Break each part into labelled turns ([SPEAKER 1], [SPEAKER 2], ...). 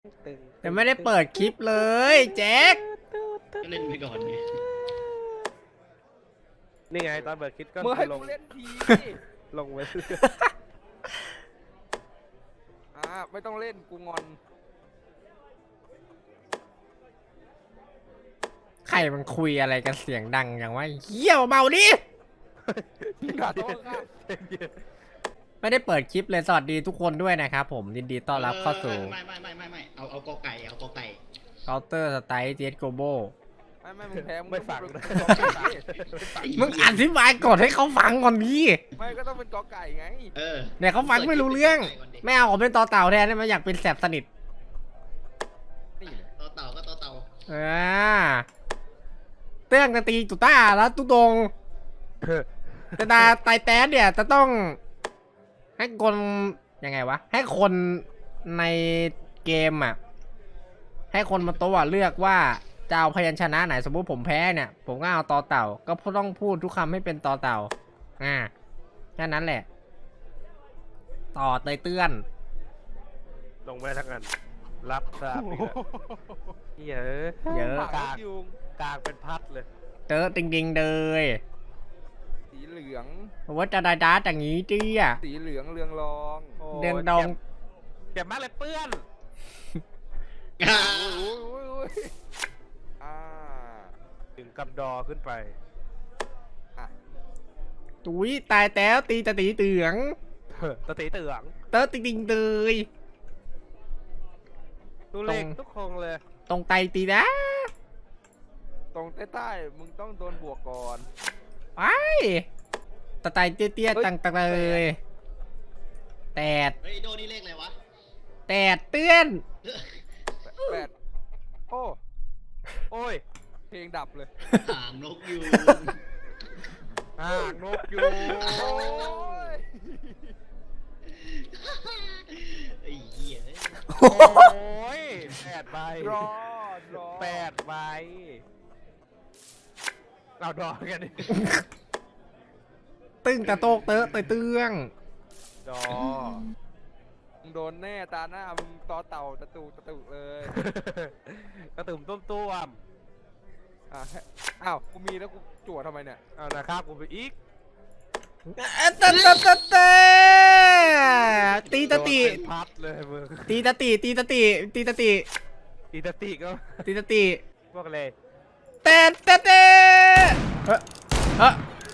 [SPEAKER 1] แต่ไม่ได้เปิดคลิปเลยแจ็ค
[SPEAKER 2] ก็เล่นไปก่อนไง
[SPEAKER 3] นี่ไงตอนเปิดคลิปก็
[SPEAKER 4] เมื่อให้
[SPEAKER 3] ล
[SPEAKER 4] กู
[SPEAKER 3] ง
[SPEAKER 4] เล่นที
[SPEAKER 3] ลงไว้
[SPEAKER 4] ไม่ต้องเล่นกูงอน
[SPEAKER 1] ใครมันคุยอะไรกันเสียงดังอย่างว่าเหี้ยเบาดิ
[SPEAKER 4] ด่าโต๊ะข้าง
[SPEAKER 1] ไม่ได้เปิดคลิปเลยสวัสดีทุกคนด้วยนะครับผมยินดีต้อนรับเข้าสู่
[SPEAKER 2] ไม่เอากอไก่เอากอไก่
[SPEAKER 1] Counter Strike CS Global
[SPEAKER 4] ไม่มึงแพ้มึง
[SPEAKER 3] ไม่ฟัง
[SPEAKER 4] ต้อง
[SPEAKER 3] นะ
[SPEAKER 4] เป็นกอไก่
[SPEAKER 1] มึงอธิบายก่อนให้เขาฟังก่อนดิ
[SPEAKER 4] ไม่ก็ต้องเป็นกอไก่ไง
[SPEAKER 1] เนี่ยเขาฟังไม่รู้เรื่องไม่เอาผมเป็นต่อเต่าแทนได้ไหมอยากเป็นแสบสนิท
[SPEAKER 4] นี่เลย
[SPEAKER 2] ต่อเต่าก็ต่อเต่า
[SPEAKER 1] เตื้องจะตีตุต้าแล้วตุตงแต่ตาไตแต้เนี่ยจะต้องให้คนยังไงวะให้คนในเกมอ่ะให้คนบนโต๊ะเลือกว่าจะเอาพยัญชนะไหนสมมุติผมแพ้เนี่ยผมก็เอาต่อเต่าก็ต้องพูดทุกคำให้เป็นต่อเต่าแค่นั้นแหละต่อเตยเตื้อน
[SPEAKER 3] ลงไว้ทั้งนั้นรับทราบอีกแล้วเยอะ
[SPEAKER 1] เยอะ
[SPEAKER 4] ปากยุง
[SPEAKER 3] กลางเป็นพัดเลย
[SPEAKER 1] เตอจริงๆเลย
[SPEAKER 4] สีเหลือง
[SPEAKER 1] ว่าจะได้ด้าอย่างนี้จี้อ่ะ
[SPEAKER 4] สีเหลืองเรืองรอง
[SPEAKER 3] โอ้
[SPEAKER 1] เดืองดอง
[SPEAKER 3] เจ็บมากเลยเปื้อน
[SPEAKER 4] โอ้ย
[SPEAKER 3] ถึงกำดอขึ้นไป
[SPEAKER 1] ตุ้ยตายแล้วตีตะตีเตือง
[SPEAKER 3] ตะตีเตือง
[SPEAKER 1] เตอจริงๆเลย
[SPEAKER 3] ตูเล็กทุกคงเลย
[SPEAKER 1] ตรงไตตีนะ
[SPEAKER 4] ตรงใต้ๆมึงต้องโดนบวกก่อน
[SPEAKER 1] ไปตะไตเตี้ยๆตังๆเลยแตด
[SPEAKER 2] เฮ้ยโดนี่เลขอะไรวะ
[SPEAKER 1] แตดเตื้อน
[SPEAKER 4] แปดโอ้
[SPEAKER 3] โอ้ย
[SPEAKER 4] เพลงดับเลย
[SPEAKER 2] หางนกยูง
[SPEAKER 3] นกยูง
[SPEAKER 4] โอ้ย
[SPEAKER 2] ไอ้เหี้ย
[SPEAKER 3] โอ้ย8 ใบ
[SPEAKER 4] รอ
[SPEAKER 3] 8 ใบเราดอกันดิ
[SPEAKER 1] ตึ้งตะโตกเตอะเตยเตื้อง
[SPEAKER 3] ดอ
[SPEAKER 4] มึงโดนแน่ตาหน้ามึงต่อเต่าตะตุเลย
[SPEAKER 3] กระตุ่มต้วม
[SPEAKER 4] อ้าวกูมีแล้วกูจั่วทำไมเนี่ย
[SPEAKER 3] เอานะครับกูไปอีก
[SPEAKER 1] ตะตีตะตี
[SPEAKER 3] โดนเป็นพัดเลยมึง
[SPEAKER 1] ตีตะตีตีตะตีตีตะตี
[SPEAKER 3] อีตาติก็
[SPEAKER 1] ตีตะตี
[SPEAKER 3] พวกเลย
[SPEAKER 1] เต้เต้เต้เฮ้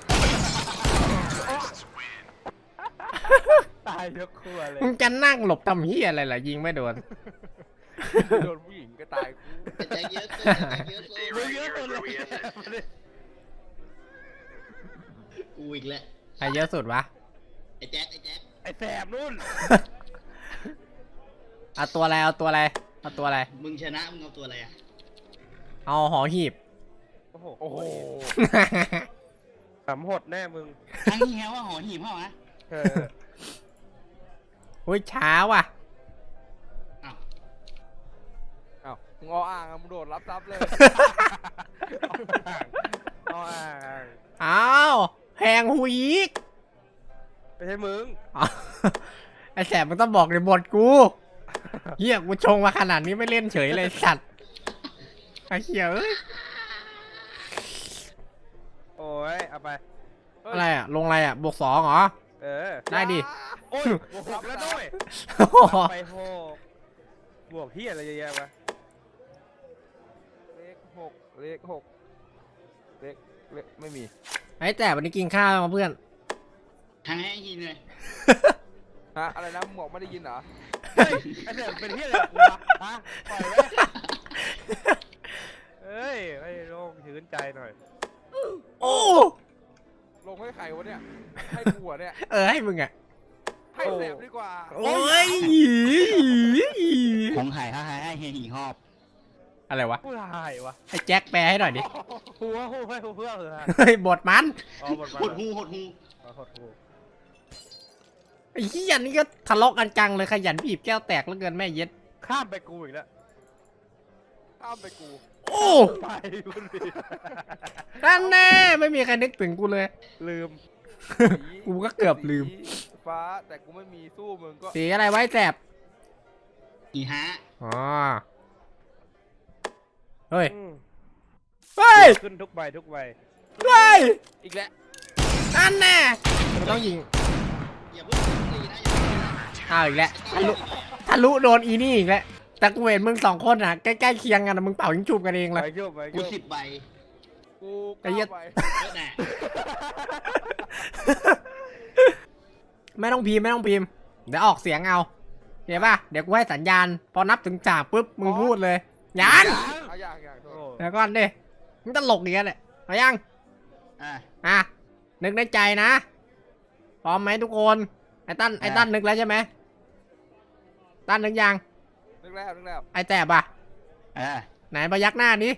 [SPEAKER 3] ตายยกครัวเลย
[SPEAKER 1] มึงจะนั่งหลบทำเฮียอะไรล่ะยิงไม่โดน
[SPEAKER 4] โดนผู้หญิงก็ตายกู
[SPEAKER 2] ใจเยอะเกินใจเยอะเกิน
[SPEAKER 3] มึงเยอะคนเลย
[SPEAKER 2] กูอีกแล้ว
[SPEAKER 1] ใครเยอะสุดวะ
[SPEAKER 2] ไอ้แจ็ค
[SPEAKER 3] ไอ้แสบนู่น
[SPEAKER 1] เอาตัวอะไรเอาตัวอะไรเอาตัวอะไร
[SPEAKER 2] มึงชนะมึงเอาตัวอะไรอ่ะ
[SPEAKER 1] เอาหอหีบ
[SPEAKER 3] โอ้โห
[SPEAKER 4] โอ้โห
[SPEAKER 3] สำหดแน่มึง
[SPEAKER 2] ทั้งนี้แฮว่าหอหีบเปล่าวะ
[SPEAKER 3] เออ
[SPEAKER 1] อุ้ยช้าว่ะ
[SPEAKER 2] อ้าว
[SPEAKER 4] อ้าวมึงอ่างมึงโดดรับทรัพย์เลย
[SPEAKER 3] เอาอ่าง
[SPEAKER 1] อ้าวแพงหูอีก
[SPEAKER 3] ไม่ใช่มึง
[SPEAKER 1] อ้าวไอแสบมันต้องบอกในบทกูเฮียกูชงมาขนาดนี้ไม่เล่นเฉยเลยสัตว์ไอเหี้ยเอ้ย
[SPEAKER 3] โอ้ยเอาไป
[SPEAKER 1] อะไรอะลงอะไรอะบวก2เหรอ
[SPEAKER 3] เออ
[SPEAKER 1] ได้ดิ
[SPEAKER 3] โอ้ยบวก6แล้วด้วย
[SPEAKER 1] โอ้โห
[SPEAKER 3] ไป6บวกพี่อะไรเยอะแยะวะ
[SPEAKER 4] เลขหกเลขไม่มี
[SPEAKER 1] ไอแสบวันนี้กินข้าวมาเพื่อน
[SPEAKER 2] ทั้งให้หินเลย
[SPEAKER 4] อะไรนะมึงบอกไม่ได้ยินเหรอ
[SPEAKER 3] เฮ้ยไอ้เด็กเป็นที่อะไรกูวะฮะปล่อยไว้เฮ้ยไอ้โล่งชื้นใจหน่อย
[SPEAKER 1] โอ้
[SPEAKER 4] ลงให้ใครวะเนี่ยให้กูเหรอเนี่ย
[SPEAKER 1] ให้มึงอะ
[SPEAKER 4] ให้แสบดีกว่า
[SPEAKER 1] โอ้ย
[SPEAKER 2] ของหายให้เฮียหีหอบ
[SPEAKER 1] อะไรวะ
[SPEAKER 3] ผู้ชายวะ
[SPEAKER 1] ไอแจ็คแปลให้หน่อยดิ
[SPEAKER 3] หัวเพื่อเหรอ
[SPEAKER 1] เฮ้ยบทมัน
[SPEAKER 3] อ๋อหมด
[SPEAKER 2] หดหู
[SPEAKER 3] หดหู
[SPEAKER 1] ไอ้เหี้ยนี่ก็ทะเลาะกันจังเลยขยันบีบแก้วแตกแล้วเกินแม่เย็ด
[SPEAKER 3] ข้ามไปกูอีกแล้ว
[SPEAKER 4] ข้ามไปกู
[SPEAKER 1] โอ้
[SPEAKER 3] ไปคุณดิ
[SPEAKER 1] นั่นแน่ไม่มีใครนึกถึงกูเลย
[SPEAKER 3] ลืม
[SPEAKER 1] กูก็เกือบลืม
[SPEAKER 4] สีฟ้าแต่กูไม่มีสู้มึงก็
[SPEAKER 1] สีอะไรไว้แสบ
[SPEAKER 2] หีฮะ
[SPEAKER 1] อ๋อ เฮ้ย
[SPEAKER 3] อืม
[SPEAKER 1] เฮ้ย
[SPEAKER 3] ขึ้นทุกใบทุกใบ
[SPEAKER 1] เฮ้ย
[SPEAKER 4] อีกแล้ว
[SPEAKER 1] อันแน่มันต้องยิง
[SPEAKER 2] อย่าเพิ่งตีนะอย่าเพิ่งตีนะ
[SPEAKER 1] อ้าวอีกแล้วทะลุโดนอีนี่อีกแล้ว แต่กูเห็นมึงสองคนอ่ะใกล้ๆเคียงกันนะมึงเป่ายิงจูบกันเอง
[SPEAKER 3] ไป
[SPEAKER 1] เลย
[SPEAKER 3] โยกไป
[SPEAKER 2] กู
[SPEAKER 3] โยก
[SPEAKER 2] 10 ใบ
[SPEAKER 4] กู
[SPEAKER 1] ไอ้เหี้ย
[SPEAKER 4] ก้าวไป
[SPEAKER 2] เยอะแน่
[SPEAKER 1] ไม่ต้องพิมพ์ไม่ต้องพิมพ์ เดี๋ยวออกเสียงเอาเห็นป่ะ เดี๋ยวกูให้สัญญาณ พอนับถึงสามปุ๊บมึงพูดเลยยัง
[SPEAKER 4] เอาอย่างโท
[SPEAKER 3] โอ้
[SPEAKER 4] ษ
[SPEAKER 1] เดี๋ยวก่อนดิมึงตลกอย่างเงี้ยเลยเอายัง
[SPEAKER 2] อ่ะ
[SPEAKER 1] อ่ะ นึกในใจนะ พร้อมไหมทุกคน ไอ้ตั้นนึกแล้วใช่ไหมตั้นนึกยัง
[SPEAKER 4] นึกแล้ว
[SPEAKER 1] ไอ้แจ๊บอ่ะ
[SPEAKER 2] อ่ะ
[SPEAKER 1] ไหนพยักหน้านี้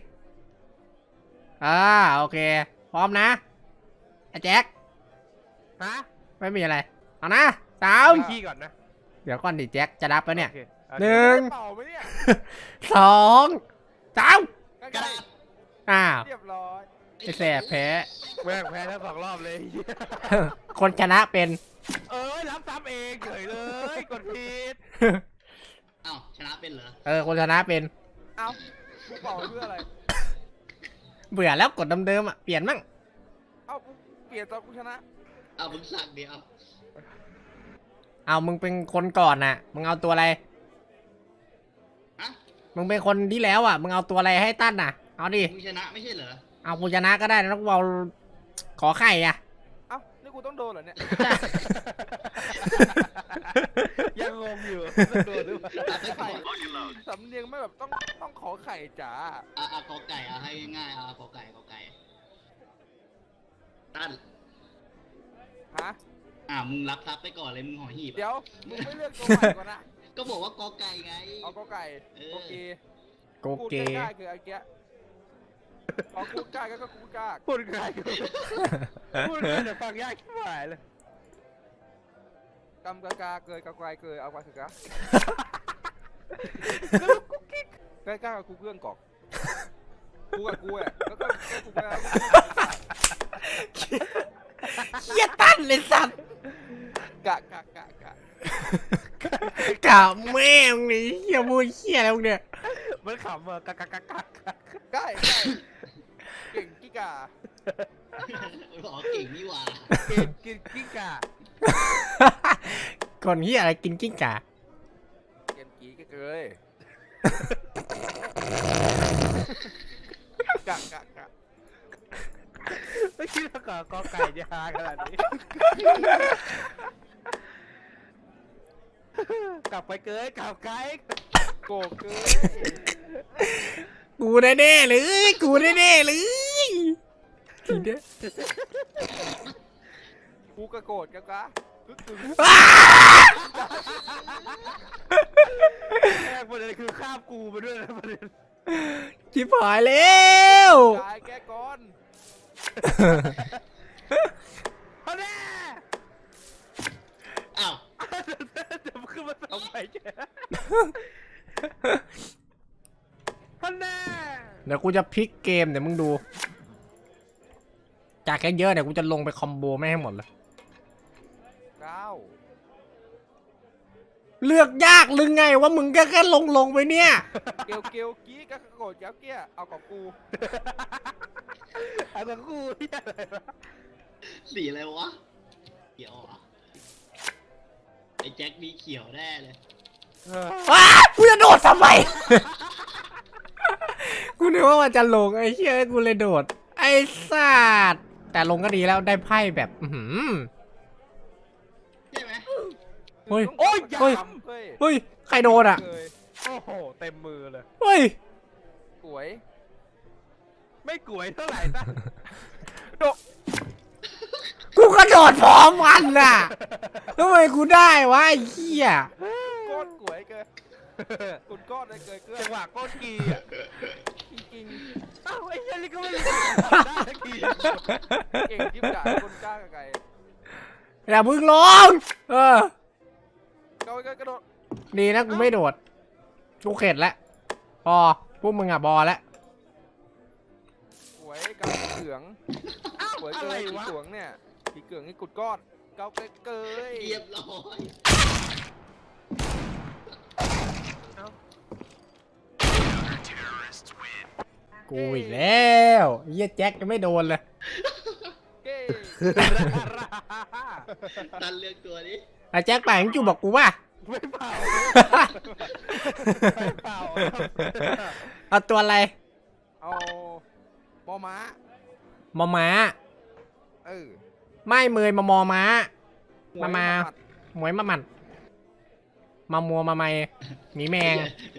[SPEAKER 1] โอเค พร้อมนะ ไอ้แจ็ค
[SPEAKER 3] ฮะ
[SPEAKER 1] ไม่มีอะไร เอานะสาม
[SPEAKER 3] ไปขี้ก่อนนะ
[SPEAKER 1] เดี๋ยวก่อนดิแจ็คจะรับแล้วเนี่ย
[SPEAKER 3] โอคโอเค
[SPEAKER 1] หนึ่ง
[SPEAKER 4] เป่าไหมเนี่ย
[SPEAKER 1] สองสาม
[SPEAKER 4] ใก
[SPEAKER 2] กระ
[SPEAKER 4] ล้
[SPEAKER 2] ดาษ
[SPEAKER 1] อ้าว
[SPEAKER 4] ๆเรียบร้อย
[SPEAKER 1] ไอ้แสบแพ้
[SPEAKER 3] แม่งแพ้ทั้ง2 รอบเลย
[SPEAKER 1] คนชนะเป็น
[SPEAKER 3] รับซ้ำเองเฉยเลยกดผิด
[SPEAKER 2] อ้าวชนะเป็นเหรอ
[SPEAKER 1] คนชนะเป็น
[SPEAKER 4] เอ้ากูเป่าเพื่ออะไร
[SPEAKER 1] เบื่อแล้วกดเดิมๆอ่ะ เปลี่ยนมั่ง
[SPEAKER 4] เอ้ากูเปลี่ยนตอนกูชนะ
[SPEAKER 2] เอามึงสั่งเดียว
[SPEAKER 1] เอามึงเป็นคนก่อนน่ะ มึงเอาตัวอะไร
[SPEAKER 2] ฮะ
[SPEAKER 1] มึงเป็นคนที่แล้วอ่ะ มึงเอาตัวอะไรให้ตั้นน่ะ เอาดิ
[SPEAKER 2] มึงชนะไม่ใช่เหรอ
[SPEAKER 1] เอากูชนะก็ได้นะต้องเอาขอไข่อ่ะ
[SPEAKER 4] เอ้านี่กูต้องโดนเหรอเนี่ย
[SPEAKER 3] ยังงงอยู่โดนหรือเปล่า
[SPEAKER 2] อ่ะไปขอ
[SPEAKER 4] สำเนียงไม่แบบต้องขอไข่จ๋า
[SPEAKER 2] กอไก่ให้ง่ายกอไก่ตั้น
[SPEAKER 4] ฮะ
[SPEAKER 2] มึงรับทรัพย์ไปก่อนเลยมึงห่อหีบ
[SPEAKER 4] เดี๋ยวมึงไม่เลือกตัวใหม่ก่อนนะ
[SPEAKER 2] ก็บอกว่ากอไก่ไง
[SPEAKER 4] เอาก็ไก่
[SPEAKER 2] เออ
[SPEAKER 4] โอเค
[SPEAKER 1] โก
[SPEAKER 4] พูด
[SPEAKER 1] เก
[SPEAKER 4] ง่ายๆคือไอ้แกะพอกูกล้าก็กูกล้า
[SPEAKER 3] พูดง่ายกูพูดง่ายแต่ฟังยากชิบหายเลย
[SPEAKER 4] กำกากาเกยกะไกลเกยเอากว่าสึกะใกล้ๆกับกูเพื่อนกอกกูกับกูอ่ะแล้วก็กูกับ
[SPEAKER 1] เฮียตั้นเลยสัตว์
[SPEAKER 4] กะ
[SPEAKER 1] กะแม่งนี่เฮียพูดเฮียอะไรพวกเนี่ย
[SPEAKER 3] มันขำอ่ะกักกักกักกัก
[SPEAKER 4] ใกล้เก่งกิกา
[SPEAKER 2] บอกเก่งนี่หว่า
[SPEAKER 3] กินกิ้งก่า
[SPEAKER 1] คนเฮียอะไรกินกิ้งก่า
[SPEAKER 4] เกมกี้ก็เกยกะ
[SPEAKER 3] ไม่คิดว่ากอไก่จะฮาขนาดนี้กลับไปเกยกลับไกล
[SPEAKER 4] โกเกย
[SPEAKER 1] กูแน่ๆเลยกูแน่ๆเลยทีเดียว
[SPEAKER 4] กูกระโกดกะกะกึกกึ๋ง
[SPEAKER 1] อ้า
[SPEAKER 3] แรกประเด็นคือข้ามกูไปด้วยนะประเด็น
[SPEAKER 1] ชิบหายแล้ว
[SPEAKER 4] ตายแกก่อน
[SPEAKER 3] เอาแน่
[SPEAKER 2] อ้าว
[SPEAKER 3] จะขึ้นมาทำไมแกฮันแน่
[SPEAKER 1] เดี๋ยวกูจะพลิกเกมเดี๋ยวมึงดู จากแค่เยอะเดี๋ยวกูจะลงไปคอมโบไม่ให้หมดเลย
[SPEAKER 4] 9
[SPEAKER 1] เลือกยากหรือไงว่ามึงก็แค่ลงไปเนี่ย
[SPEAKER 4] เกียวกี้กะโกดเจ้าเกี้ยเอากับกู
[SPEAKER 3] เอากับกูที่อะไรวะ
[SPEAKER 2] สีอะไรวะเขียวอ่ะไอ้แจ็คมีเขียวแน่เลย
[SPEAKER 1] ว้ากูจะโดดทำไม กูนึกว่ามันจะลงไอ้เชี่ยกูเลยโดด ไอ้สัตว์แต่ลงก็ดีแล้วได้ไพ่แบบ
[SPEAKER 2] ใช่ไหม
[SPEAKER 1] เฮ้ย
[SPEAKER 4] โอ้ย
[SPEAKER 1] เฮ้ย
[SPEAKER 4] เฮ้ย
[SPEAKER 1] เฮ้ย ใครโดนอ่ะ
[SPEAKER 4] เคย
[SPEAKER 3] โอ้โหเต็มมือเลย
[SPEAKER 1] เฮ้ย
[SPEAKER 4] สวย
[SPEAKER 3] ไม่กวยเท่าไหร่ตั้ง
[SPEAKER 1] กูกระโดดพร้อมกันน่ะทำไมกูได้วะไอ้เหี้ย
[SPEAKER 4] ก้อนสวยเกินกุนก้อนเลยเกินเกิน
[SPEAKER 3] จังหวะก้นกีอ่ะ
[SPEAKER 4] จริง
[SPEAKER 3] เอ้าไอ้เหี้ยนี่ก็ไม่รู้ได้กี
[SPEAKER 4] ๆเก่งจิ๊บจ่ายคนกล้ากับไก่
[SPEAKER 1] อย่าพึ่งลงเออ
[SPEAKER 4] กระโดด
[SPEAKER 1] ดีนะกูไม่โดด กูเข็ดแล้ว พอ พวกมึงอ่ะบอแล้ว
[SPEAKER 4] สวยกับเขืองสวยเกินผีเขืองเนี่ยผีเขืองนี่กุดก้อนเกาเกย
[SPEAKER 2] เรียบร้อย
[SPEAKER 1] กูอีกแล้วเหี้ยแจ็คยังไม่โดนเลย
[SPEAKER 4] เก้
[SPEAKER 2] ตันเลือกตัวนี้
[SPEAKER 1] ไอ้แจ็คป่านจูบอกกูว่า
[SPEAKER 3] ไม่เปล่าไม่เปล่า
[SPEAKER 1] เอาตัวอะไร
[SPEAKER 4] เอามอม้า
[SPEAKER 1] มอม้า
[SPEAKER 4] เออ
[SPEAKER 1] ไม่เมยมามอม้า
[SPEAKER 4] หวย
[SPEAKER 1] มา
[SPEAKER 4] หด
[SPEAKER 1] หมวยมาหมัดมามัวมาไม่หมีแมง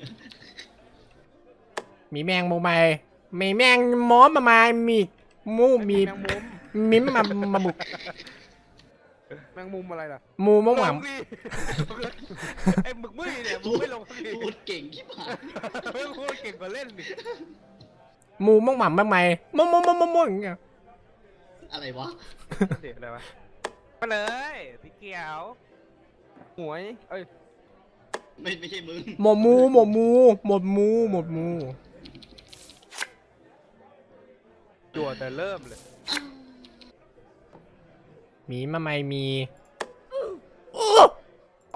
[SPEAKER 1] หมีแมงโมไม่หมีแมงมอมาไม่มีมูมี
[SPEAKER 4] แมงมุม
[SPEAKER 1] มิมมาบุก
[SPEAKER 4] แมงมุมอะไรล่ะ
[SPEAKER 1] มูมะห
[SPEAKER 3] ล
[SPEAKER 1] วัง
[SPEAKER 3] งดิไอ้หมึกมึยเนี่ยมึงไม่ลงสักที
[SPEAKER 2] พูดเก่งที่ผ่าน
[SPEAKER 3] ไม่พูดเก่งกว่าเล่นดิ
[SPEAKER 1] มูมะหวังมาไม่มะอย่างเงี้ย
[SPEAKER 2] อะไรวะ
[SPEAKER 3] เดี๋ยวอะไรวะมาเลยพี่เกียว
[SPEAKER 4] หวยเอ้ย
[SPEAKER 2] ไม่ใช่มึง
[SPEAKER 1] หมดมูหมดมูหมดมูหมดมู
[SPEAKER 3] จั่วแต่เริ่มเลย
[SPEAKER 1] หมีมาไม่มี
[SPEAKER 4] โอ้โอ้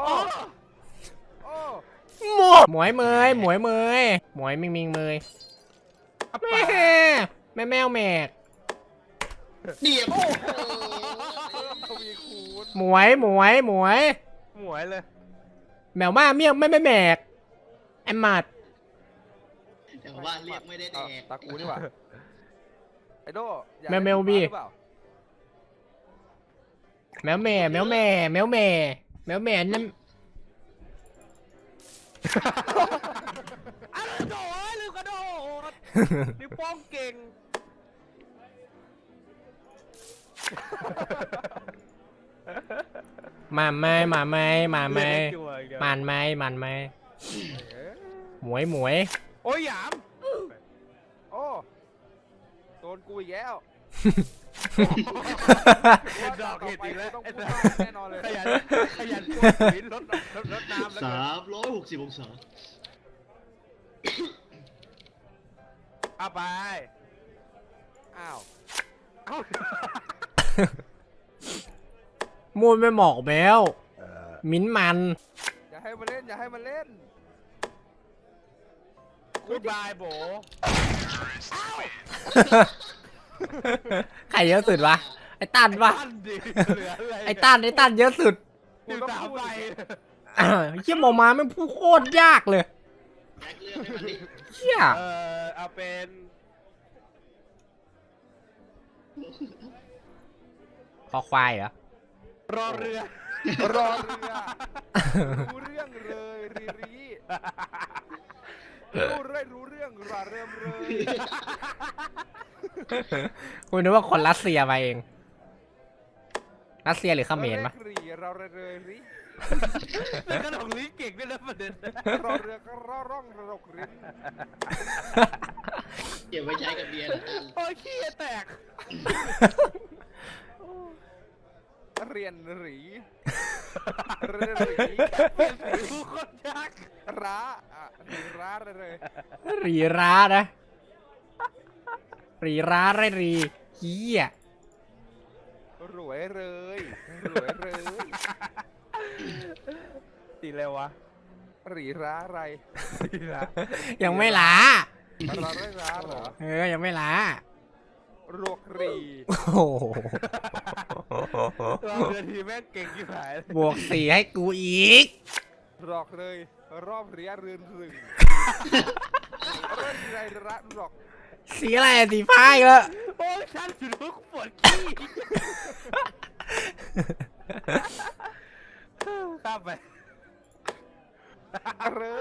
[SPEAKER 1] หมวยเมยหมวยเมยหมวยมิงเมยแม่แม่แมวแมก
[SPEAKER 2] เดียบ
[SPEAKER 4] ทวีคูณ
[SPEAKER 1] หมวยหมวยหมวย
[SPEAKER 3] หมวยเลย
[SPEAKER 1] แมวมาเมียไม่แมกแอมมัด
[SPEAKER 2] แต่ว่าเรียกไม่ได้แด
[SPEAKER 4] อ้าว
[SPEAKER 2] ก
[SPEAKER 4] ตากูนี่หว่าไอโดอยาก
[SPEAKER 1] แมว
[SPEAKER 4] เล่น
[SPEAKER 1] บี
[SPEAKER 4] หรือเปล่า
[SPEAKER 1] แมวแม่แมวแม่แมวแม่แมวแม่นั่น
[SPEAKER 3] อ้าวโดดลืมกระโดดนิ้วโป้งเก่ง
[SPEAKER 1] มาไม่มาไม่มาไม่
[SPEAKER 3] เล่นจั่วอีกแล้ว
[SPEAKER 1] มันไม่มันไม่
[SPEAKER 4] เอ๊ะ
[SPEAKER 1] หมวยหมวย
[SPEAKER 3] โอ้ยหยาม
[SPEAKER 4] โอ้โดนกูอีกแล้ว
[SPEAKER 3] เป็นดอกเห็ดอีกแล้ว
[SPEAKER 4] ต้อง
[SPEAKER 3] ไอ้
[SPEAKER 4] พูด
[SPEAKER 3] สั
[SPEAKER 4] มาก
[SPEAKER 3] ส
[SPEAKER 4] แน่นอนเลย
[SPEAKER 3] ขยันขยันกดหินรถน้ำแล้วกัน
[SPEAKER 2] 360 องศา
[SPEAKER 3] เอาไป
[SPEAKER 4] อ้าว
[SPEAKER 3] เอ้า
[SPEAKER 1] มูนไม่หมอกแมวมิ้นมัน
[SPEAKER 4] อย่าให้มันเล่นอย่าให้มันเล่น
[SPEAKER 3] กูบายโบ
[SPEAKER 1] ใครเยอะสุดวะไอ้ตันวะ
[SPEAKER 3] ตั้นดิเหลืออะไร
[SPEAKER 1] ไอ้ตันเยอะสุด
[SPEAKER 3] อยู่สามใบ
[SPEAKER 1] เชี่ยหมอมาไม่พูดโคตรยากเลย
[SPEAKER 2] แจ็คเลือกให้มันดิ
[SPEAKER 1] เชี่ย
[SPEAKER 3] เอาเป็น
[SPEAKER 1] คอควายเหรอ
[SPEAKER 3] รอเรือ
[SPEAKER 4] รอเรือรู้เรื่องเลยรีรีรู้เรื่องราเริ่มเลย
[SPEAKER 1] คุณนึกว่าคนรัสเซียมาเอง รัสเซียหรือเขมรปะ
[SPEAKER 4] รีเราเลยรี
[SPEAKER 3] แล้วก็ลงลิ้นเก่งด้วยนะประเด็น
[SPEAKER 4] รอเรือก็รอร่องระดกริ้น
[SPEAKER 2] เก็บไว้ใช้กับเบียร์นะตัน
[SPEAKER 3] โอ้ยขี้แตก
[SPEAKER 4] เรียนหรี
[SPEAKER 3] เปลี่ยนสีผู้คนยาก
[SPEAKER 4] ร้าอ่ะร้าเลย
[SPEAKER 1] รีร้านะ รีร้าไรรีเฮีย
[SPEAKER 4] รวยเลยรวยเลย
[SPEAKER 3] สีอะไรวะ
[SPEAKER 4] รีร้าอะไร
[SPEAKER 3] สีละ
[SPEAKER 1] ยังไม่ล้า
[SPEAKER 4] เราได้ร้าเหรอ
[SPEAKER 1] ยังไม่ล้าร
[SPEAKER 4] วกรี
[SPEAKER 1] โอ้โห
[SPEAKER 3] เราเรือทีแม่งเก่งที่หายเลย
[SPEAKER 1] บวก4ให้กูอีก
[SPEAKER 4] รอกเลยรอบเรียเรือนรึงเรื่อนไรระรอก
[SPEAKER 1] สีอะไรอะสีฟ้าอีกแล้ว
[SPEAKER 3] โอ้ยฉันถือว่าปวดขี้ข้ามไป
[SPEAKER 4] เรือ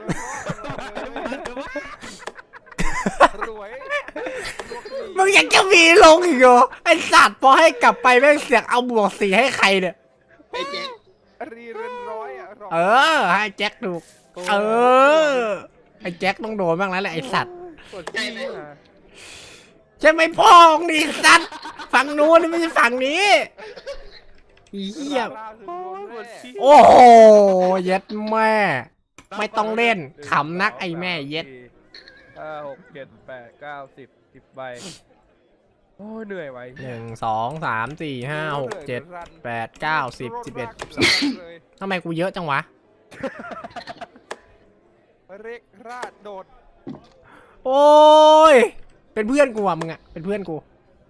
[SPEAKER 4] รวยรวกรี
[SPEAKER 1] มึงยังจะมีลงอีกเหรอไอสัตว์พอให้กลับไปแม่งเสียงเอาบวก4ให้ใครเนี่ย
[SPEAKER 2] ไอ้แจ็ค
[SPEAKER 4] รีเรือนร้อยอ่ะรอก
[SPEAKER 1] เออ ให้แจ็คถูก เออ ไอแจ็คต้องโดนบ้างแล้วแหละไอสัตว์
[SPEAKER 3] ปวดขี้อ่ะ
[SPEAKER 1] ใช่ไหมพ่อของนี่สัตว์ฝั่งนู้นไม่ใช่ฝั่งนี้อีเหี้ย
[SPEAKER 4] ล่าคือรวม
[SPEAKER 3] ปวด
[SPEAKER 4] แร่
[SPEAKER 3] ขี้
[SPEAKER 1] โอ้โหเย็ดแม่ ไม่ต้องเล่นขำนักไอ้แม่เย็ด
[SPEAKER 3] 5 6 7 8 9 10 10ใบโอ้ยเหนื่อยไว้
[SPEAKER 1] 1 2 3 4 5 6 7 8 9 10 11
[SPEAKER 4] เลย
[SPEAKER 1] ทำไมกูเยอะจังวะ
[SPEAKER 4] เร็กราดโดด
[SPEAKER 1] โอ้ยเป็นเพื่อนกูอ่ะมึงอ่ะเป็นเพื่อนกู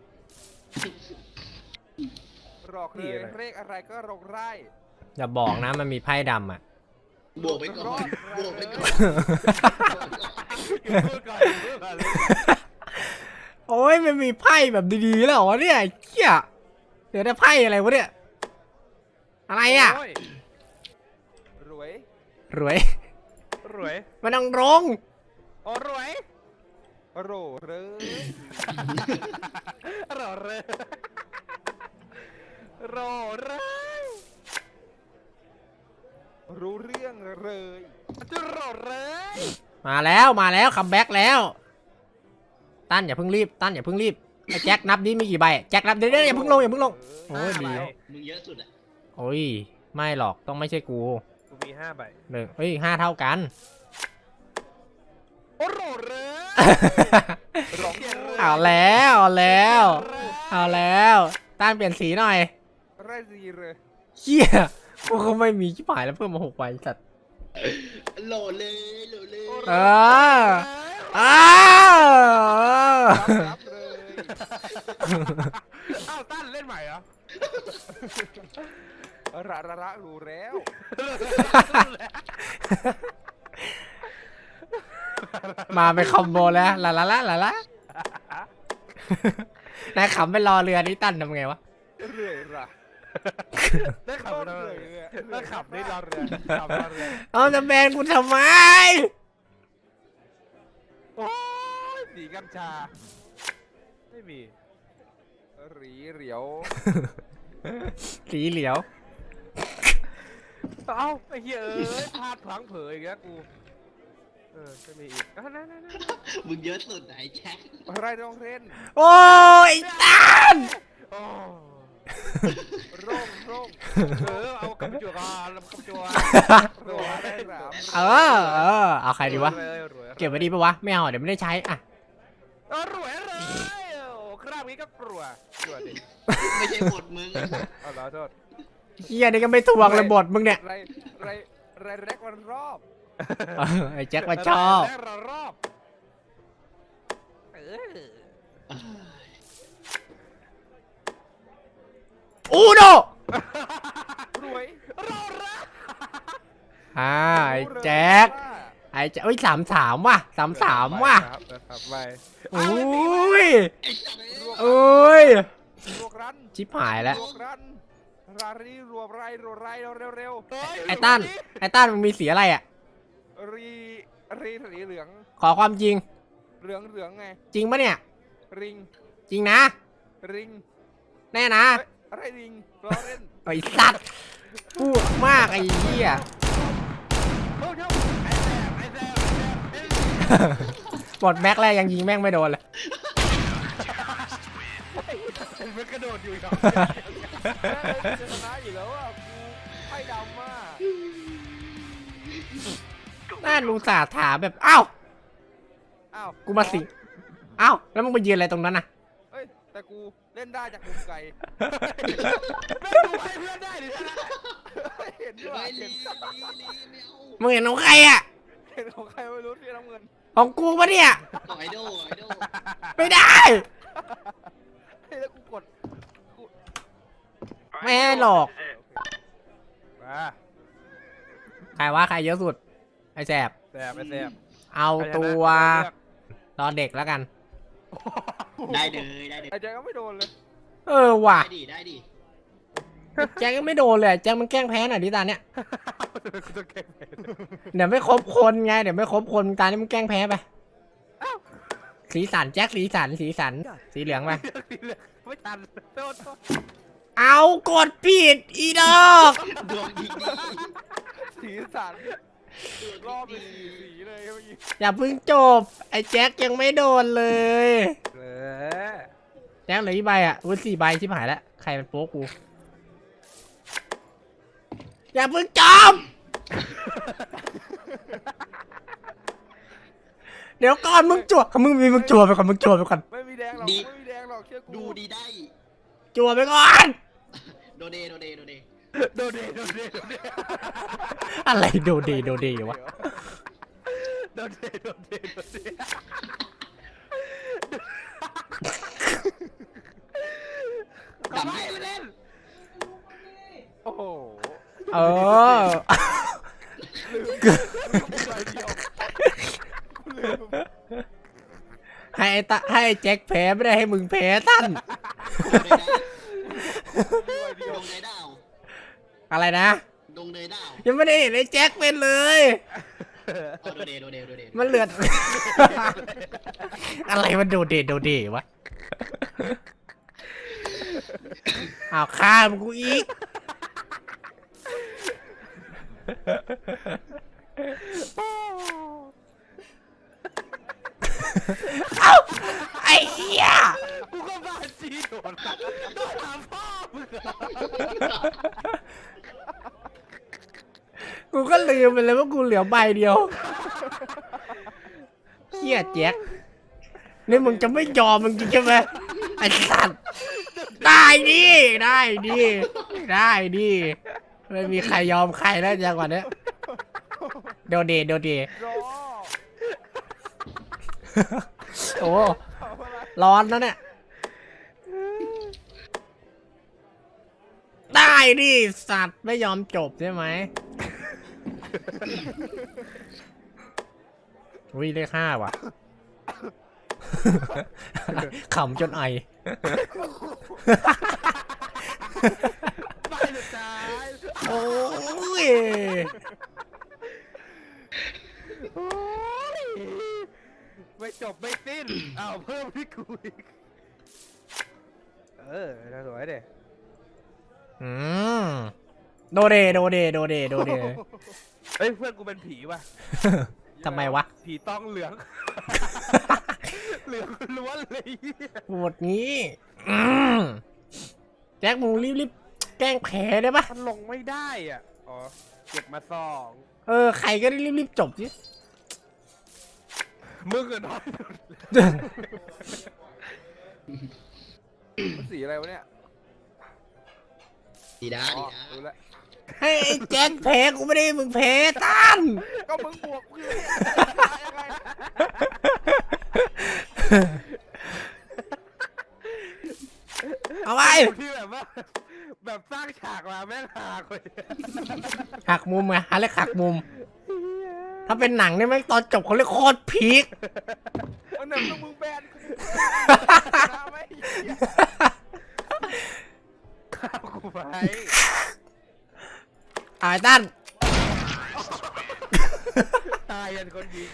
[SPEAKER 4] หลอกเลยเลขอะไรก็ลงไร่
[SPEAKER 1] อย่าบอกนะมันมีไพ่ดำอ่ะ
[SPEAKER 2] บวกไปก่อนบวกไปก่อน
[SPEAKER 3] พูดก่อนพูดก่อนเลย
[SPEAKER 1] โอ้ยมันมีไพ่แบบดีๆแล้วเหรอเนี่ยไอ้เหี้ยเดี๋ยวได้ไพ่อะไรวะเนี่ยอะไรอ่ะ
[SPEAKER 3] โย
[SPEAKER 4] รวย
[SPEAKER 1] รวย
[SPEAKER 3] รวย
[SPEAKER 1] มันต้องรง
[SPEAKER 3] โอ้รวย
[SPEAKER 4] โรเลย
[SPEAKER 3] รอเลยรอเลย
[SPEAKER 4] รู้เรื่องเลย
[SPEAKER 3] จะรอเลย
[SPEAKER 1] มาแล้วคัมแบ็กแล้วตั้นอย่าเพิ่งรีบตั้นอย่าเพิ่งรีบไอ้แจ็คนับดิมีกี่ใบแจ็คนับเดี๋ยวอย่าเพิ่งลงอย่าเพิ่งลง โอ้ยดี
[SPEAKER 2] มึงเยอะสุดอะ
[SPEAKER 1] โอ้ยไม่หรอกต้องไม่ใช่กู
[SPEAKER 3] กูมี5 ใบ
[SPEAKER 1] หนึ่งเฮ้ยห้าเท่ากัน
[SPEAKER 3] โอ้รอเลย
[SPEAKER 4] ร้อง
[SPEAKER 1] เอาแล้วเอาแล้วตั้นเปลี่ยนสีหน่อย
[SPEAKER 4] ไร่ดีเลย
[SPEAKER 1] เฮียกูเขาไม่มีชิบหายแล้วเพิ่มมา6 ใบสัตว์
[SPEAKER 2] โหลดเลยโหลดเลย
[SPEAKER 1] เอออ้าว
[SPEAKER 4] รับเลย
[SPEAKER 3] อ้าวตั้นเล่นใหม่เหรอ
[SPEAKER 4] ระรู้แล้ว
[SPEAKER 1] มาเป็นคอมโบแล้วลานายขำไปรอเรือนี่ตั้นทำไงวะ
[SPEAKER 4] เรื่อยระ
[SPEAKER 3] ได้ขับเรือได้ขับได้รอเรือขับรอเรือ
[SPEAKER 1] เอาจะแบนกูทำไม
[SPEAKER 3] โอ้ยสีกัญชาไม่มี
[SPEAKER 4] หรีเหลียว
[SPEAKER 1] สีเหลียว
[SPEAKER 3] เอ้าไอ้เหี้ยเอ้ยพลาดพลั้งเผยอีกแล้วกูจะมีอีกนั่น
[SPEAKER 2] มึงเยอะสุดไหนแจ็ค
[SPEAKER 4] ไร่ต้องเล่น
[SPEAKER 1] โอ้ยตั้น
[SPEAKER 3] โอ้
[SPEAKER 4] ร่ง
[SPEAKER 3] เอากำจัวกันกำจัว
[SPEAKER 4] โรได้สาม
[SPEAKER 1] เอาใครดีวะ เก็บไว้ดีปะวะ ไม่เอาเดี๋ยวไม่ได้ใช้อ่ะ
[SPEAKER 3] รวยเลยโอ้คราบนี้ก็กลัวดิ
[SPEAKER 2] ไม่ใช่บทมึง
[SPEAKER 3] เอาขอโทษ
[SPEAKER 1] เฮียนี่ก็ไม่ทวงเลยบทมึงเนี่ย
[SPEAKER 4] ไรแรกวันรอบ
[SPEAKER 1] ไอ้แจ็คมาชอบ
[SPEAKER 3] แรกรอบ
[SPEAKER 1] อูโด
[SPEAKER 4] รวย
[SPEAKER 3] รอละ
[SPEAKER 1] ไอ้แจ็คไอ้แจ็คเอ้ย33ว่ะ33ว่ะ
[SPEAKER 3] ครับไป
[SPEAKER 1] โอ้ย
[SPEAKER 2] ไอ้สัตว์
[SPEAKER 1] โอ้ย
[SPEAKER 4] รวกรัน
[SPEAKER 1] ชิบหายแล้ว
[SPEAKER 4] รวกรันรารีรวบไรเร็ว
[SPEAKER 1] ไอ้ตั้นมึงมีสีอะไรอ่ะ
[SPEAKER 4] รีสีเหลือง
[SPEAKER 1] ขอความจริง
[SPEAKER 4] เหลืองไง
[SPEAKER 1] จริงปะเนี่ย
[SPEAKER 4] ริง
[SPEAKER 1] จริงนะ
[SPEAKER 4] ริง
[SPEAKER 1] แน่นะ
[SPEAKER 4] อะไรริงรอเล่น
[SPEAKER 1] ไอ้สัตว์พูดมากไอ้เหี้ย
[SPEAKER 3] โอ้ยไอ้แซม
[SPEAKER 1] หมดแม็กแล้วยังยิงแม่งไม่โดนเลย
[SPEAKER 3] มันกระโดดอยู่ครับ
[SPEAKER 4] ชนะอยู่แล้วอ่ะกูไพ่ดำมาก
[SPEAKER 1] น่าลูสาห์ถามแบบอ้าว
[SPEAKER 4] อ้าว
[SPEAKER 1] กูมาสิอ้าวแล้วมึงไปยืนอะไรตรงนั้นน่ะ
[SPEAKER 4] เอ้ยแต่กูเล่นได้จากมุมไกล
[SPEAKER 3] ไม่ดูให้เพื่อนได้ดิท่าน
[SPEAKER 4] เห็นด้วย
[SPEAKER 2] ไอ้
[SPEAKER 4] เห็
[SPEAKER 2] ลี
[SPEAKER 4] น
[SPEAKER 2] ไม่เอา
[SPEAKER 1] มึงเห็นของใครอ่ะ
[SPEAKER 4] เห็นของใครไม่รู้ที่น้ำเงิน
[SPEAKER 1] ของกูปะเนี่ย
[SPEAKER 2] ต่อไอดอลไอดอล
[SPEAKER 1] ไม่ได้
[SPEAKER 4] เฮ้ยแล้วกูกด
[SPEAKER 1] ไม่ให้หรอก
[SPEAKER 3] มา
[SPEAKER 1] ใครว่าใครเยอะสุดไอ้แสบ
[SPEAKER 3] แซมไอ้แซม
[SPEAKER 1] เอาตัวรอเด็กแล้วกัน
[SPEAKER 2] ได้เลยได้เลย
[SPEAKER 4] ไอ้แจ็คก็ไม่โดนเลย
[SPEAKER 1] เออว่ะ
[SPEAKER 2] ได้ดิ
[SPEAKER 1] แจ็คก็ไม่โดนเลยแจ็คมันแกล้งแพ้หน่อยดิตาเนี้ย
[SPEAKER 3] กูต้องเก็บ
[SPEAKER 1] เดี๋ยวไม่ครบคนไงเดี๋ยวไม่ครบคนตานี้มึงแกล้งแพ้ไปสีสันแจ็คสีสันสีเหลืองไป
[SPEAKER 3] ไม่ทันโทษ
[SPEAKER 1] เอากดผิดอีดอก
[SPEAKER 2] ดวงดี
[SPEAKER 4] สีสันรอบเป็นสีเลยเมื่อกี้
[SPEAKER 1] อย่าเพิ่งจบไอ้แจ็คยังไม่โดนเลย
[SPEAKER 3] เออ
[SPEAKER 1] แจ็คเหลือกี่ใบอ่ะอุ้ย4 ใบชิบหายแล้วใครมันโป๊กกูอย่าเพิ่งจบเดี๋ยวก่อนมึงจั่วมึงจั่วไปก่อนมึงจั่วไปก่อน
[SPEAKER 4] ไม่มีแดงหรอกไม่มีแดงหรอกเชื่อกู
[SPEAKER 2] ดูดีได้
[SPEAKER 1] จั่วไปก่อน
[SPEAKER 2] โดเด
[SPEAKER 3] โดเด
[SPEAKER 1] อะไรโดเดวะ
[SPEAKER 3] โดเด
[SPEAKER 1] ออ
[SPEAKER 4] ใบเดียวกูลืม
[SPEAKER 1] ให้ไอ้แจ็คแพ้ไม่ได้ให้มึงแพ้ตั้น
[SPEAKER 4] มีใบเดียว
[SPEAKER 2] ดงเนยดาว
[SPEAKER 1] อะไรนะ
[SPEAKER 2] ดงเนยดาว
[SPEAKER 1] ยังไม่ได้เห็นไอ้แจ็คเป็นเลย
[SPEAKER 2] เอาโดเดโดเดโดเด
[SPEAKER 1] มันเหลือ อะไรมันโดเดวะอ้าวข้ามกูอีก เอ้าไอ้เหี้ย
[SPEAKER 4] กูก็บ้าจีโดนถามพ่อมึงเหรอ
[SPEAKER 1] กูก็ลืมไปเลยว่ากูเหลือใบเดียวเหี้ยแจ็คนี่มึงจะไม่ยอมมึงจริงใช่ไหมไอ้สัตว์ได้ดิไม่มีใครยอมใครแล้วจังหวะเนี้ยโดเด
[SPEAKER 4] รอ
[SPEAKER 1] โอ้
[SPEAKER 4] ทำอะไร
[SPEAKER 1] ร้อนนะเนี่ยได้ดิสัตว์ไม่ยอมจบใช่ไหมอุ้ยเลข 5ว่ะ ขำจนไอ
[SPEAKER 4] ใบสุดท้าย
[SPEAKER 1] โอ้ย
[SPEAKER 4] โอ้ยไม่จบไม่สิ้นอ้าวเพิ่มที่กูอีกน่าสวยเด้
[SPEAKER 1] อืมโดเด
[SPEAKER 4] เฮ้ยเพื่อนกูเป็นผีว่ะ
[SPEAKER 1] ทำไมวะ
[SPEAKER 4] ผีต้องเหลือง เหลืองล้วนเลยเหี้ย
[SPEAKER 1] ปวดนี้อืมแจ็คมึงรีบแกล้งแพ้ได้ปะ
[SPEAKER 4] มันลงไม่ได้อ่ะ อ๋อ เก็บมา2
[SPEAKER 1] ใครก็ได้รีบจบสิ
[SPEAKER 4] มึงอะน้อยสุดมันสีอะไรวะเนี่ย
[SPEAKER 2] ดีด้า
[SPEAKER 4] อ๋อ
[SPEAKER 2] ดีด้า
[SPEAKER 4] รู้แล้ว
[SPEAKER 1] ให้ไอ้แจ็คแพ้กูไม่ได้ให้มึงแพ้ตั้น
[SPEAKER 4] ก็มึงบวกคือยังไง
[SPEAKER 1] เอาไป
[SPEAKER 4] ที่แบบว่า แบบสร้างฉากมาแม่งหาเลย
[SPEAKER 1] หักมุมไงหาเรียกหักมุม ถ้าเป็นหนังเนี่ยแม่งตอนจบเขาเรียกโคตรพีค
[SPEAKER 4] มันแบบมึงแบนกูนะไม่เหี้ยข้าวกูไป
[SPEAKER 1] เอาไอ้ตั้น
[SPEAKER 4] ตายยันคนยิง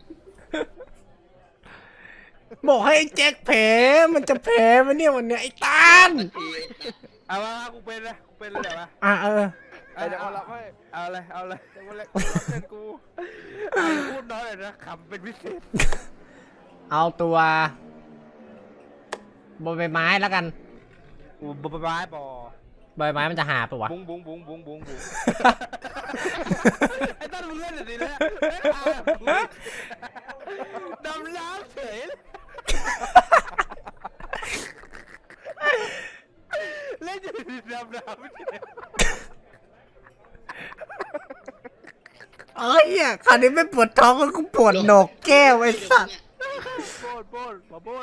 [SPEAKER 1] บอกให้ไอ้แจ็คแพ้มันจะแพ้ไหมเนี่ยวันเนี้ยไอ้ตั้น
[SPEAKER 4] เอามากูเป็นเลยเดี๋ยวมา เดี๋ยวเอาละไม่เอาเลยเดี๋ยววันแรกเป็นกูพูดน้อยเลยนะขำเป็นพิเศษ
[SPEAKER 1] เอาตัวบนใบไม้แล้วกัน
[SPEAKER 4] กูบ้าบอ
[SPEAKER 1] ใบไม้มันจะหาปะวะ
[SPEAKER 4] บุ้งไอ้ต้นมึงเล่นอะไรเนี่ยดำน้ำเฉยเล่นอยู่ดำน้ำเฉย
[SPEAKER 1] เอ้ยคราวนี้ไม่ปวดท้องแล้วกูปวดโหนกแก้วไอ้สัตว์
[SPEAKER 4] โบดมาโบด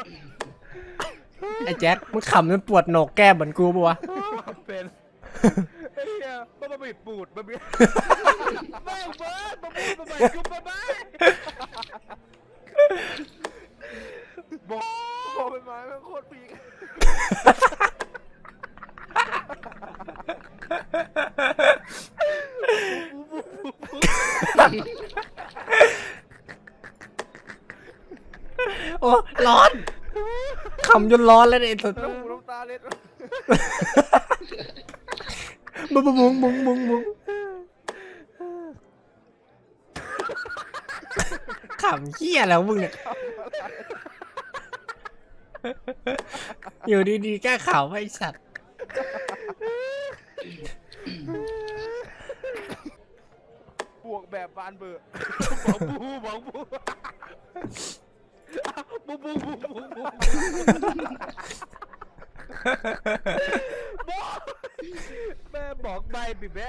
[SPEAKER 1] ไอ้แจ็คมึงขำจนปวดโหนกแก้วเหมือนกูปะวะ
[SPEAKER 4] เป็นไอ้เหี้ยมาบีบปูดมาบีบไม่เบิร์ดมาบูดมาบีบกูมาบ้าบอกเป็นไม้เป็นโคตรปีก
[SPEAKER 1] โอ้ร้อนขำจนร้อนแล้วเนี่ยไอ้สัตว์
[SPEAKER 4] น้ำหูน้ำตาเล็ด
[SPEAKER 1] บุ้งขำเหี้ยแล้วมึงเนี่ยอยู่ดีๆแก้ข่าวไอ้สัตว์
[SPEAKER 4] บวกแบบบานเบอร์บอกบูแม่บอกใบบิแม่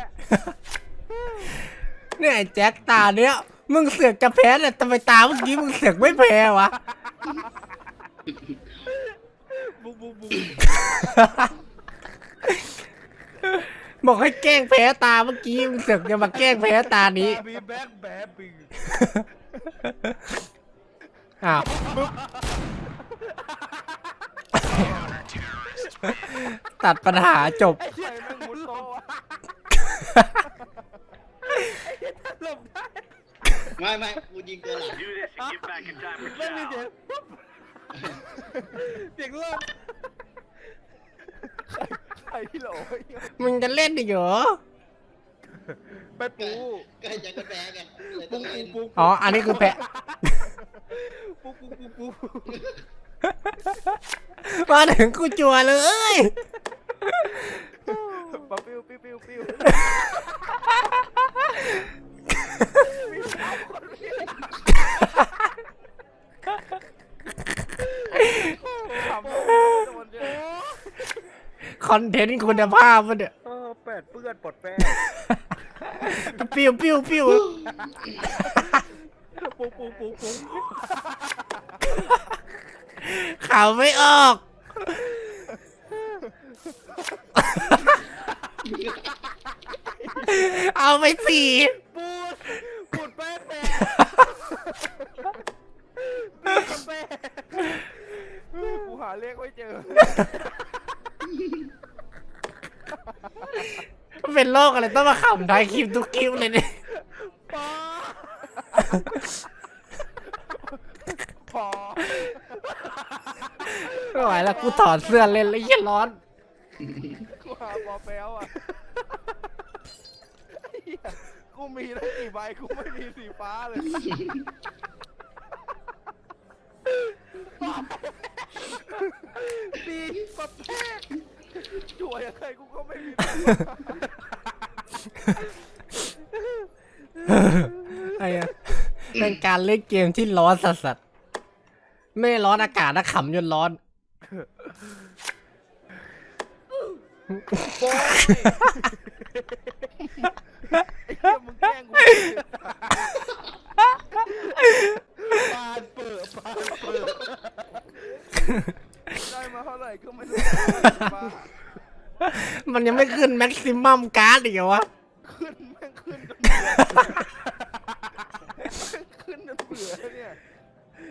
[SPEAKER 1] เนี่ยไอ้แจ็คตาเนี้ยมึงเสือกจะแพ้แต่ทำไมตาเมื่อกี้มึงเสือกไม่แพ้วะ
[SPEAKER 4] บู
[SPEAKER 1] บอกให้แกล้งแพ้ตาเมื่อกี้มึงเสือกจะมาแกล้งแพ้ตานี้
[SPEAKER 3] มีแบ็คแบบบิง
[SPEAKER 1] อ้าวตัดปัญหาจบ
[SPEAKER 3] ไอ้เหี้ยแม่งมุดโตะหลบได้
[SPEAKER 2] ไม่กูยิงตัวหลัง
[SPEAKER 3] ไม่มีเสียงปุ๊บเสียงลมใครที่โหล
[SPEAKER 1] มึงจะเล่นดิเหรอ
[SPEAKER 3] ไปปู
[SPEAKER 2] ก็ให้แจ็คก็แพ้ไงเลยต้
[SPEAKER 3] ปู
[SPEAKER 2] องเล่น
[SPEAKER 3] ปู
[SPEAKER 1] อ๋อ อันนี้คือแพ้
[SPEAKER 3] ปูปูปูปู
[SPEAKER 1] มาถึงกูจัวเลย
[SPEAKER 3] ปะปิ้วปิ้วปิ้วปิ้วขำโดนเยอะ
[SPEAKER 1] คอนเทนต์คุณภาพมันเนี่ย
[SPEAKER 3] แปดเปื้อนปลดแป้ง
[SPEAKER 1] ปิ้วปิ้วปิ้ว
[SPEAKER 3] ปูปูปูปู
[SPEAKER 1] ข่าวไม่ออก เอาไปสี่
[SPEAKER 3] ปูปูดแป้งแป้งปูดแป้งกูหาเลขไม่เจอ
[SPEAKER 1] เป็นโรคอะไรต้องมาขำท้ายคลิปทุกคลิปเลยเนี่ย
[SPEAKER 3] พอ
[SPEAKER 1] ไม่ไหวแล้วกูถอดเสื้อเล่นแล้วเหี้ยร้อน
[SPEAKER 3] กูหาปอแป๊วอ่ะไอ้เหี้ยกูมีตั้งกี่ใบกูไม่มีสีฟ้าเลยดีปะแพ้จ่วยอะไรกูก็ไม่มี
[SPEAKER 1] ไอ้อะเป็นการเล่นเกมที่ร้อนสัสๆไม่ได้ร้อนอากาศนะขำจนร้อน
[SPEAKER 3] โอ้ยไอ้เหี้ยมึงแกล้งกูปานเปิดได้มาเท่าไหร่ก็ไม่รู้บ้า
[SPEAKER 1] มันยังไม่ขึ้นแม็กซิมัมการ์ดอีกเหรอวะ
[SPEAKER 3] ขึ้นแม่งขึ้นจนเบื่อขึ้นจนเบื่อเนี่ย